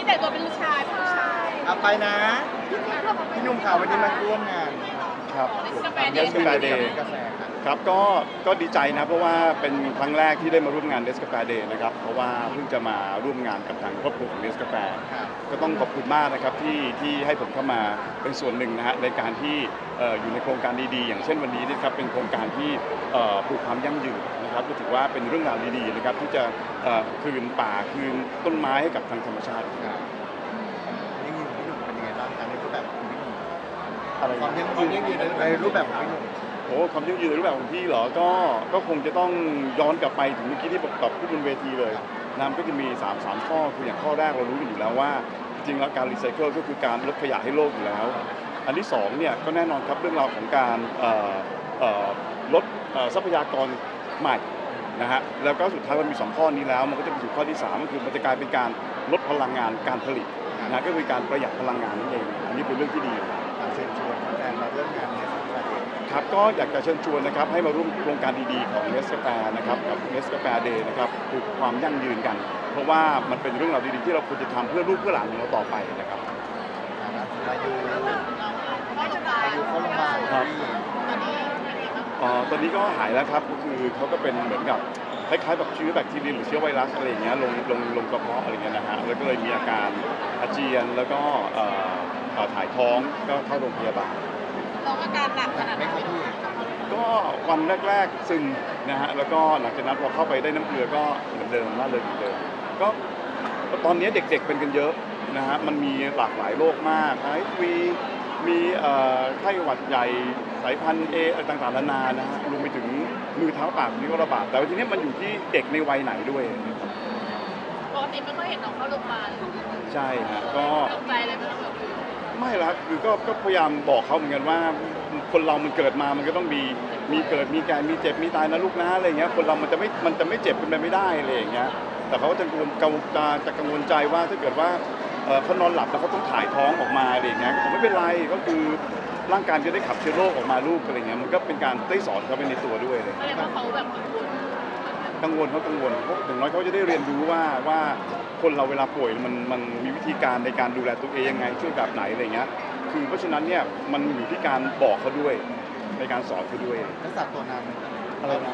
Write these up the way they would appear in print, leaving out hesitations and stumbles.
แต่งตัวเป็นลูกชายเอาไปนะพี่หนุ่มข่าววันนี้มาร่วมงานครับเดสกาแฟเดย์ Day กาแฟครับครับก็ดีใจนะเพราะว่าเป็นครั้งแรกที่ได้มาร่วมงานเดสกาแฟเดย์นะครับเพราะว่าเพิ่งจะมาร่วมงานกับทางครอบครัวของเดสกาแฟครับก็ต้องขอบคุณมากนะครับที่ให้ผมเข้ามาเป็นส่วนหนึ่งนะฮะในการที่อยู่ในโครงการดีๆอย่างเช่นวันนี้นะครับเป็นโครงการที่ปลูกความยั่งยืนนะครับก็ถือว่าเป็นเรื่องราวดีๆนะครับที่จะคืนป่าคืนต้นไม้ให้กับทางธรรมชาติครับนี่อยู่พี่หนุ่มเป็นยังไงบ้างการในรูปแบบของพี่หนุ่มอะไรความยั่งยืนในรูปแบบของพี่หนุ่มโอ้ความยั่งยืนในรูปแบบของพี่เหรอก็คงจะต้องย้อนกลับไปถึงเมื่อกี้ที่ผมตอบพูดบนเวทีเลยนะมันก็จะมี3ข้อคืออย่างข้อแรกเรารู้กันอยู่แล้วว่าจริงๆแล้วการรีไซเคิลก็คือการลดขยะให้โลกอยู่แล้วอันที่2เนี่ยก็แน่นอนครับเรื่องราวของการลดทรัพยากรใหม่นะฮะแล้วก็สุดท้ายมันมี2ข้อนี้แล้วมันก็จะไปสู่ข้อที่3ก็คือมันจะกลายเป็นการลดพลังงานการผลิตนะก็คือการประหยัดพลังงานนั่นเองอันนี้เป็นเรื่องที่ดีเชิญชวนแฟนมาร่วมงานในสัปดาห์นี้ครับก็อยากจะเชิญชวนนะครับให้มาร่วมโครงการดีๆของเนสกาแฟนะครับกับเนสกาแฟเดย์นะครับปลูกความยั่งยืนกัน เพราะว่ามันเป็นเรื่องราวดีๆที่เราควรจะทำเพื่อลูกเพื่อหลานของเราต่อไปนะครับมาอยู่เข้าโรงพยาบาลครับที่ตอนนี้ก็หายแล้วครับก็คือเขาก็เป็นเหมือนกับคล้ายๆแบบเชื้อแบคทีเรียหรือเชื้อไวรัสอะไรอย่างเงี้ยลงกระเพาะอะไรเงี้ยนะฮะแล้วก็เลยมีอาการอาเจียนแล้วก็ถ่ายท้องก็เข้าโรงพยาบาลน้องอาการหนักขนาดไม่ไหนครับพี่ก็วันแรกๆซึมนะฮะแล้วก็หลังจากนั้นพอเข้าไปได้น้ำเกลือก็เหมือนเดิมล่าเริงเหมือนเดิมก็ตอนนี้เด็กๆเป็นกันเยอะนะฮะมันมีหลากหลายโรคมากไอวีมีไข้หวัดใหญ่สายพันธุ์เออะไรต่างๆนานานะฮะรวมไปถึงมือเท้าปากนี่ก็ระบาดแต่ว่าทีนี้มันอยู่ที่เด็กในวัยไหนด้วยนะครับปกติไม่ค่อยเห็นน้องเข้าโรงพยาบาลใช่ฮะก็ตกใจเลยไม่ต้องแบบไม่ละคือก็พยายามบอกเขาเหมือนกันว่าคนเรามันเกิดมามันก็ต้องมีเกิดมีแก่มีเจ็บมีตายนะลูกนะอะไรเงี้ยคนเรามันจะไม่เจ็บเป็นไปไม่ได้อะไรอย่างเงี้ยแต่เขาก็จะกังวลใจว่าถ้าเกิดว่าเขานอนหลับแล้วเขาต้องถ่ายท้องออกมาอะไรอย่างเงี้ยผมไม่เป็นไรก็คือร่างกายจะได้ขับเชื้อโรคออกมาลูกอะไรเงี้ยมันก็เป็นการได้สอนเขาไปในตัวด้วยเลยแสดงว่าเขาแบบกังวลกังวลเพราะอย่างน้อยเขาจะได้เรียนรู้ว่าคนเราเวลาป่วยมันมีวิธีการในการดูแลตัวเองยังไงช่วยแบบไหนอะไรเงี้ยคือเพราะฉะนั้นเนี่ยมันอยู่ที่การบอกเขาด้วยในการสอนเขาด้วยรักษาตัวนานไหมอะไรนะ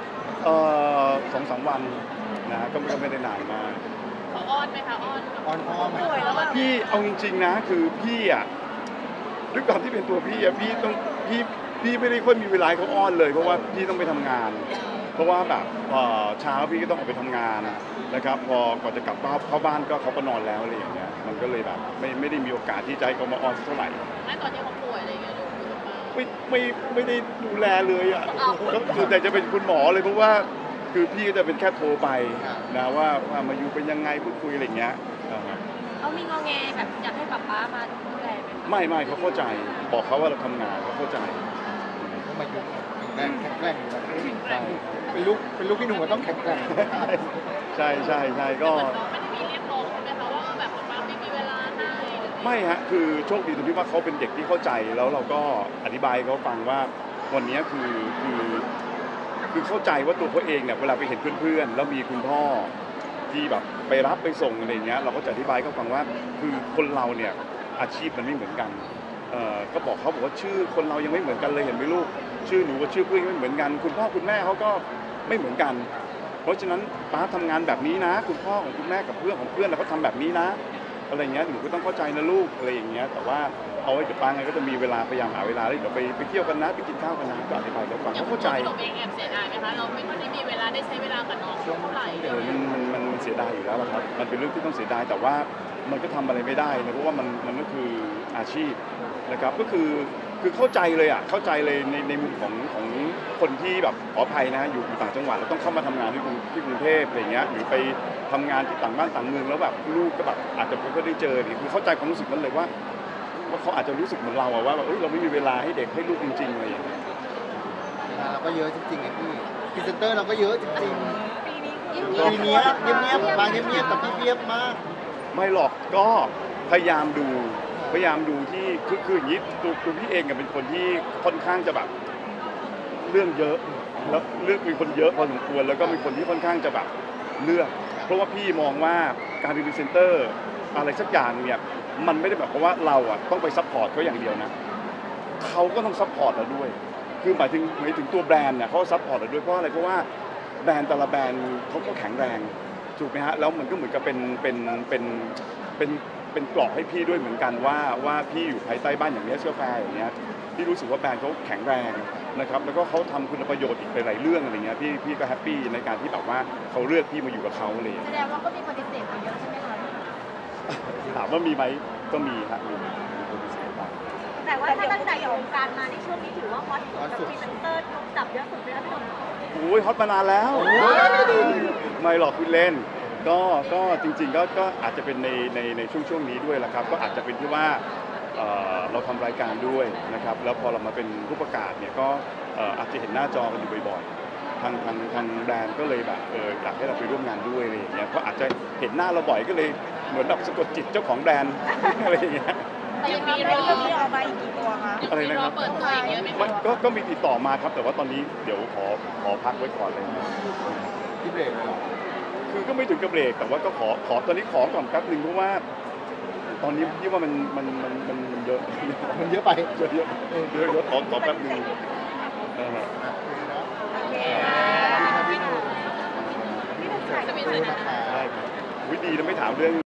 2-3 วันนะก็ไม่ได้นานมากเขาอ้อนไหมคะอ้อนอ่อนพ่อไหมป่วยแล้วแบบพี่เอาจริงๆนะคือพี่อ่ะด้วยความที่เป็นตัวพี่อ่ะพี่ไม่ได้ค่อยมีเวลาให้เขาอ้อนเลยเพราะว่าพี่ต้องไปทำงาน เพราะว่าแบบเช้าพี่ก็ต้องออกไปทำงานนะครับพอกว่าจะกลับเข้าบ้านก็เขาก็นอนแล้วอะไรอย่างเงี้ยมันก็เลยแบบไม่ได้มีโอกาสที่จะให้เขามาอ้อนสักเท่าไหร่ไม่ตอนที่เขาป่วยอะไรอย่างเงี้ยดูโรงพยาบาลไม่ได้ดูแลเลยอ่ะอ้าวก็ส่วนใหญ่จะเป็นคุณหมอเลยเพราะว่าคือพี่ก็จะเป็นแค่โทรไปนะว่ามาอยู่เป็นยังไงพูดคุยอะไรอย่างเงี้ยนะครับเขามีงอแงแบบอยากให้ป๊าป๊ามาดูแลไหมไม่เขาเข้าใจบอกเขาว่าเราทำงานเขาเข้าใจก็มาอยู่แข็งแกร่งอยู่นะใช่เป็นลูกพี่หนุ่มก็ต้องแข็งแกร่งใช่ก็น้องไม่ได้มีเรียกร้องใช่ไหมคะว่าแบบป๊าไม่มีเวลาให้ไม่ฮะคือโชคดีตรงที่ว่าเขาเป็นเด็กที่เข้าใจแล้วเราก็อธิบายให้เขาฟังว่าวันนี้คือเข้าใจว่าตัวเขาเองเนี่ยเวลาไปเห็นเพื่อนๆแล้วมีคุณพ่อที่แบบไปรับไปส่งอะไรอย่างเงี้ยเราก็จะอธิบายให้เขาฟังว่าคือคนเราเนี่ยอาชีพมันไม่เหมือนกันก็บอกเขาบอกว่าชื่อคนเรายังไม่เหมือนกันเลยเห็นไหมลูกชื่อหนูกับชื่อเพื่อนไม่เหมือนกันคุณพ่อคุณแม่เขาก็ไม่เหมือนกัน เพราะฉะนั้นป้าทำงานแบบนี้นะคุณพ่อของคุณแม่กับเพื่อนของเพื่อนเขาทำแบบนี้นะอะไรเงี้ยหนูก็ต้องเข้าใจนะลูกอะไรอย่างเงี้ยแต่ว่าเอาไว้เดี๋ยวป้าไงก็จะมีเวลาพยายามหาเวลาแล้วเดี๋ยวไปเที่ยวกันนะไปกินข้าวกันนะก็อธิบายเขาฟังเขาเข้าใจหนูเองแอบเสียดายไหมคะเราไม่ค่อยได้มีเวลาได้ใช้เวลากับน้องเท่าไหร่เลยมันเสียดายอยู่แล้วล่ะครับมันเป็นเรื่องที่ต้องเสียดายแต่ว่ามันก็ทำอะไรไม่ได้นะเพราะว่ามันก็คืออาชีพนะครับก็คือเข้าใจเลยอ่ะเข้าใจเลยในมุมของคนที่แบบขออภัยนะอยู่ต่างจังหวัดแล้วต้องเข้ามาทำงานที่กรุงเทพอะไรเงี้ยหรือไปทำงานที่ต่างบ้านต่างเมืองแล้วแบบลูกก็แบบอาจจะไม่ค่อยได้เจอคือเข้าใจความรู้สึกนั้นเลยว่าเขาอาจจะรู้สึกเหมือนเราอะว่าแบบเราไม่มีเวลาให้เด็กให้ลูกจริงๆอะไรอย่างเงี้ยเราก็เยอะจริงๆไงพี่พรีเซนเตอร์เราก็เยอะจริงปีนี้ๆปีนี้เงียบๆมาเงียบๆแต่พี่เงียบมากไม่หรอกก็พยายามดูที่คืออย่างนี้ตัวพี่เองเป็นคนที่ค่อนข้างจะแบบเรื่องเยอะแล้วเรื่องเป็นคนเยอะพอสมควรแล้วก็เป็นคนที่ค่อนข้างจะแบบเลือกเพราะว่าพี่มองว่าการเป็นพรีเซนเตอร์อะไรสักอย่างเนี่ยมันไม่ได้แบบว่าเราอ่ะต้องไปซัพพอร์ตเขาอย่างเดียวนะเขาก็ต้องซัพพอร์ตเราด้วยคือหมายถึงตัวแบรนด์เนี่ยเขาซัพพอร์ตเราด้วยเพราะอะไรเพราะว่าแบรนด์แต่ละแบรนด์เขาก็แข็งแรงถูกไหมฮะแล้วมันก็เหมือนกับเป็นเกราะให้พี่ด้วยเหมือนกันว่าพี่อยู่ภายใต้บ้านอย่างนี้เชื่อแฟร์อย่างเงี้ยพี่รู้สึกว่าแบรนด์เขาแข็งแรงนะครับแล้วก็เขาทำคุณประโยชน์อีกหลายๆเรื่องอะไรเงี้ยพี่ก็แฮปปี้ในการที่แบบว่าเขาเลือกพี่มาอยู่กับเขาเลยแสดงว่าก็มีปฏิเสธไปเยอะใช่ไหมคะถามว่ามีไหมก็มีครับมีคนพิเศษบ้างแต่ว่าถ้าตั้งแต่อยู่วงการมาในช่วงนี้ถือว่าฮอตสุดกับพรีเซนเตอร์ถูกจับเยอะสุดเลยนะพี่หนุ่มโอ้ยฮอตมานานแล้วไม่หรอกคุณเล่นก็จริงๆก็อาจจะเป็นในช่วงนี้ด้วยแหละครับก็อาจจะเป็นที่ว่าเราทำรายการด้วยนะครับแล้วพอเรามาเป็นผู้ประกาศเนี่ยก็อาจจะเห็นหน้าจอกันอยู่บ่อยๆทางแบรนด์ก็เลยแบบอยากให้เราไปร่วมงานด้วยอะไรอย่างเงี้ยเพราะอาจจะเห็นหน้าเราบ่อยก็เลยเหมือนแบบสะกดจิตเจ้าของแบรนด์ อะไรอย่างเงี้ยแต่ยังมีเรื่รองอนี้ออกมาอีกกี่ตัวคะอะไรมีนะรคอรับเปิดตัวอีกเยอะไหมมันคะก็มีติดต่อมาครับแต่ว่าตอนนี้เดี๋ยวขอพักไว้ก่อนเลยนะที่เบรกเลยเหรอคือก็ไม่ถึงกับเบรกแต่ว่าก็ขอตอนนี้ขอก่อนแป๊บนึงเพราะว่า ตอนนี้พี่ว่ามันเยอะมันเยอะไปเยอะขอแป๊บนึงโอเคสมิธขอบคุณนะนะคะได้ครับอุ๊ยดีนะไม่ถามเรื่อง